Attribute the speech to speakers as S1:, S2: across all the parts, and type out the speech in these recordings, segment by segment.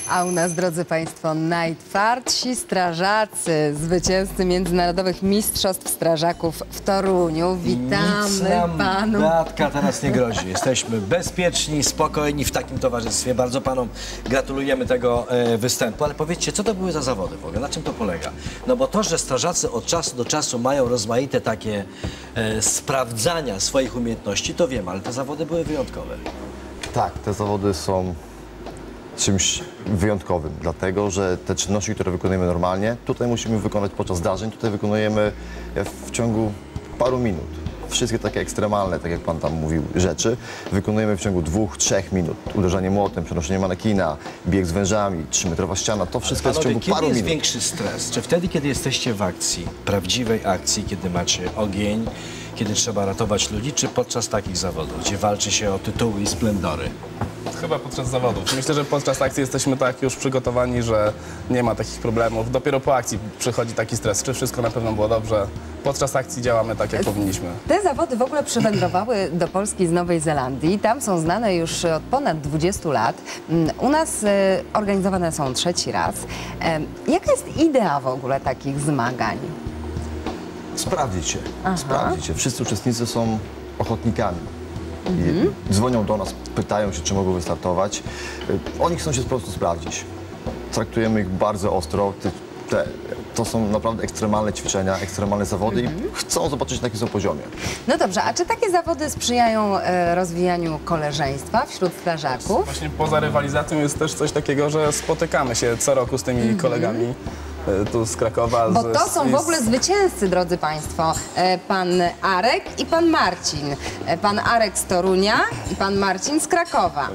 S1: A u nas, drodzy Państwo, najtwardsi strażacy, zwycięzcy międzynarodowych mistrzostw strażaków w Toruniu. Witamy
S2: Nic nam,
S1: panu.
S2: Beatka, teraz nie grozi. Jesteśmy bezpieczni, spokojni w takim towarzystwie. Bardzo panom gratulujemy tego występu. Ale powiedzcie, co to były za zawody w ogóle? Na czym to polega? No bo to, że strażacy od czasu do czasu mają rozmaite takie sprawdzania swoich umiejętności, to wiem, ale te zawody były wyjątkowe.
S3: Tak, te zawody są czymś wyjątkowym, dlatego że te czynności, które wykonujemy normalnie, tutaj musimy wykonać podczas zdarzeń, tutaj wykonujemy w ciągu paru minut. Wszystkie takie ekstremalne, tak jak pan tam mówił, rzeczy wykonujemy w ciągu 2-3 minut. Uderzanie młotem, przenoszenie manekina, bieg z wężami, 3-metrowa ściana, to wszystko jest w ciągu paru
S2: Kiedy
S3: minut.
S2: jest większy stres? Czy wtedy, kiedy jesteście w akcji, prawdziwej akcji, kiedy macie ogień, kiedy trzeba ratować ludzi, czy podczas takich zawodów, gdzie walczy się o tytuły i splendory?
S4: Chyba podczas zawodów. Myślę, że podczas akcji jesteśmy tak już przygotowani, że nie ma takich problemów. Dopiero po akcji przychodzi taki stres. Czy wszystko na pewno było dobrze? Podczas akcji działamy tak, jak powinniśmy.
S1: Te zawody w ogóle przywędrowały do Polski z Nowej Zelandii. Tam są znane już od ponad 20 lat. U nas organizowane są trzeci raz. Jaka jest idea w ogóle takich zmagań?
S3: Sprawdzić się, sprawdzić się. Wszyscy uczestnicy są ochotnikami. I dzwonią do nas, pytają się, czy mogą wystartować. Oni chcą się po prostu sprawdzić. Traktujemy ich bardzo ostro. To są naprawdę ekstremalne ćwiczenia, ekstremalne zawody i chcą zobaczyć, na jakim są poziomie.
S1: No dobrze, a czy takie zawody sprzyjają rozwijaniu koleżeństwa wśród strażaków?
S4: Właśnie poza rywalizacją jest też coś takiego, że spotykamy się co roku z tymi kolegami tu z Krakowa.
S1: Bo to są w ogóle zwycięzcy, drodzy Państwo. Pan Arek i pan Marcin. Pan Arek z Torunia i pan Marcin z Krakowa.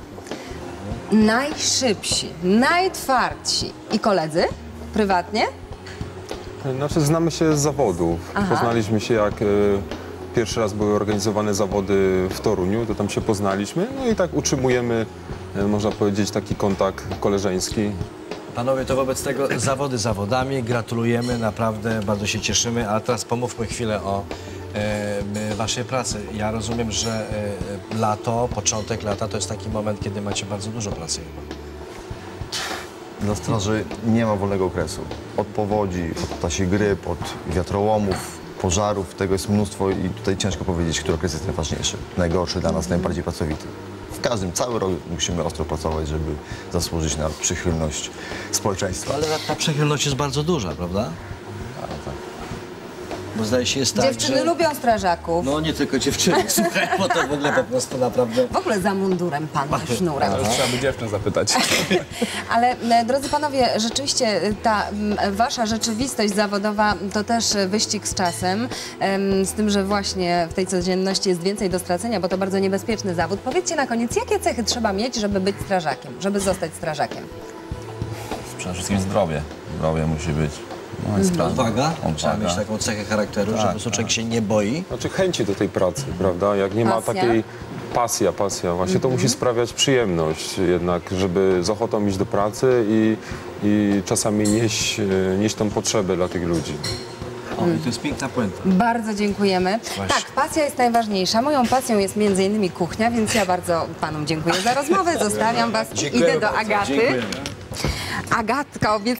S1: Najszybsi, najtwardsi. I koledzy? Prywatnie?
S5: Znaczy, znamy się z zawodów. Poznaliśmy się, jak pierwszy raz były organizowane zawody w Toruniu, to tam się poznaliśmy. No i tak utrzymujemy, można powiedzieć, taki kontakt koleżeński.
S2: Panowie, to wobec tego zawody zawodami, gratulujemy, naprawdę bardzo się cieszymy, a teraz pomówmy chwilę o waszej pracy. Ja rozumiem, że lato, początek lata to jest taki moment, kiedy macie bardzo dużo pracy.
S3: Dla straży nie ma wolnego okresu. Od powodzi, od ptasiej gryp, od wiatrołomów, pożarów, tego jest mnóstwo i tutaj ciężko powiedzieć, który okres jest najważniejszy, najgorszy dla nas, najbardziej pracowity. W każdym, cały rok musimy ostro pracować, żeby zasłużyć na przychylność społeczeństwa.
S2: Ale ta przychylność jest bardzo duża, prawda? Bo zdaje się jest tak,
S1: Dziewczyny
S2: że...
S1: lubią strażaków.
S2: No nie tylko dziewczyny, słuchaj, bo to w ogóle po prostu naprawdę...
S1: W ogóle za mundurem pan ma sznurem.
S4: To już trzeba by dziewczyn zapytać.
S1: Ale drodzy panowie, rzeczywiście ta wasza rzeczywistość zawodowa to też wyścig z czasem, z tym, że właśnie w tej codzienności jest więcej do stracenia, bo to bardzo niebezpieczny zawód. Powiedzcie na koniec, jakie cechy trzeba mieć, żeby być strażakiem, żeby zostać strażakiem?
S6: Przede wszystkim zdrowie. Zdrowie musi być. No i sprawne.
S2: Odwaga? Trzeba
S6: Odwaga.
S2: mieć taką cechę charakteru, że po prostu człowiek się nie boi.
S5: Znaczy chęci do tej pracy, prawda? Jak nie ma
S1: Pasja?
S5: takiej pasja właśnie, to musi sprawiać przyjemność jednak, żeby z ochotą iść do pracy i czasami nieść tą potrzebę dla tych ludzi.
S2: O, i to jest piękna puenta.
S1: Bardzo dziękujemy.
S2: Właśnie.
S1: Tak, pasja jest najważniejsza. Moją pasją jest m.in. kuchnia, więc ja bardzo panom dziękuję za rozmowę. Zostawiam was i idę do Agaty.
S2: Dziękujemy.
S1: Agatka obiecała